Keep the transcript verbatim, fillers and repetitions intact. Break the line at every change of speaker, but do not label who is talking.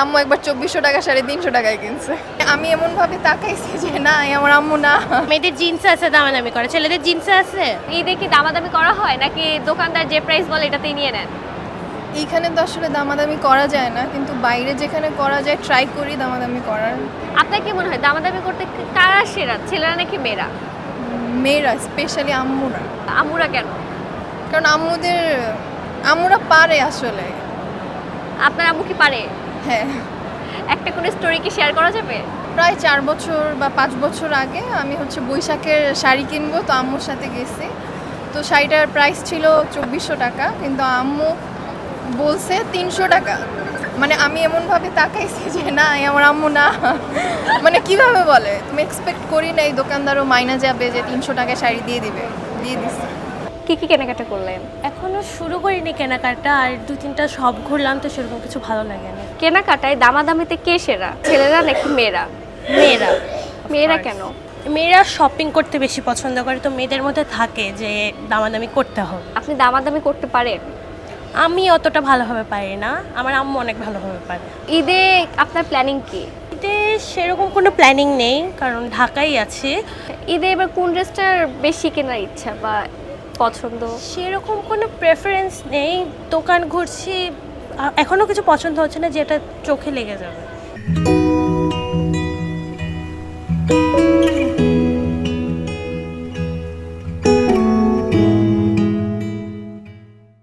আম্মু একবার চব্বিশশো টাকা সাড়ে তিনশো টাকায় কিনছে। আমি এমনভাবে তাকাইছি যে না আমার আম্মু না।
মেয়েদের জিন্স আছে দামাদামি করে, ছেলেদের জিন্স আছে।
ঈদে কি দামাদামি করা হয় নাকি দোকানদার যে প্রাইস বলে এটাতেই নিয়ে নেন?
এইখানে তো আসলে দামাদামি করা যায় না, কিন্তু বাইরে যেখানে করা যায় ট্রাই করি দামাদামি করার।
আপনার কি মনে হয় দামাদামি করতে কারা সেরা, ছেলেরা নাকি মেয়েরা?
মেয়েরা, স্পেশালি আম্মুরা।
আম্মুরা কেন?
কারণ আম্মুদের আম্মুরা পারে আসলে।
আপনার আম্মু কি পারে?
হ্যাঁ,
একটা কোনো স্টোরি কি শেয়ার করা যাবে?
প্রায় চার বছর বা পাঁচ বছর আগে আমি হচ্ছে বৈশাখের শাড়ি কিনবো, তো আম্মুর সাথে গেছি। তো শাড়িটার প্রাইস ছিল চব্বিশশো টাকা, কিন্তু আম্মু বলছে তিনশো টাকা। মানে আমি এমনভাবে তাকাইছি যে না আমার আম্মু না। মানে কিভাবে বলে, তুমি এক্সপেক্ট করি না এই দোকানদারও মাইনা যাবে যে তিনশো টাকায় শাড়ি দিয়ে দিবে, দিয়ে দিচ্ছে।
কি কি কেনাকাটা করলেন?
এখনো শুরু করিনি কেনাকাটা, আর দু তিনটা সব ঘুরলাম, তো সেরকম কিছু ভালো লাগে না।
কেনাকাটায় দামাদামিতে কে সেরা, ছেলেরা নাকি মেয়েরা?
মেয়েরা।
মেয়েরা কেন?
মেয়েরা শপিং করতে বেশি পছন্দ করে, তো মেয়েদের মধ্যে থাকে যে দামাদামি করতে হবে।
আপনি দামাদামি করতে পারেন?
আমি অতটা ভালোভাবে পারি না, আমার আম্মু অনেক ভালোভাবে পারে।
ঈদে আপনার প্ল্যানিং কি?
ঈদে সেরকম কোনো প্ল্যানিং নেই, কারণ ঢাকায় আছি।
ঈদে এবার কোন ড্রেসটার বেশি কেনার ইচ্ছা বা পছন্দ?
সেরকম কোনো প্রেফারেন্স নেই, দোকান ঘুরছি, আ- এখনো কিছু পছন্দ হচ্ছে না যেটা চোখে লেগে যাবে।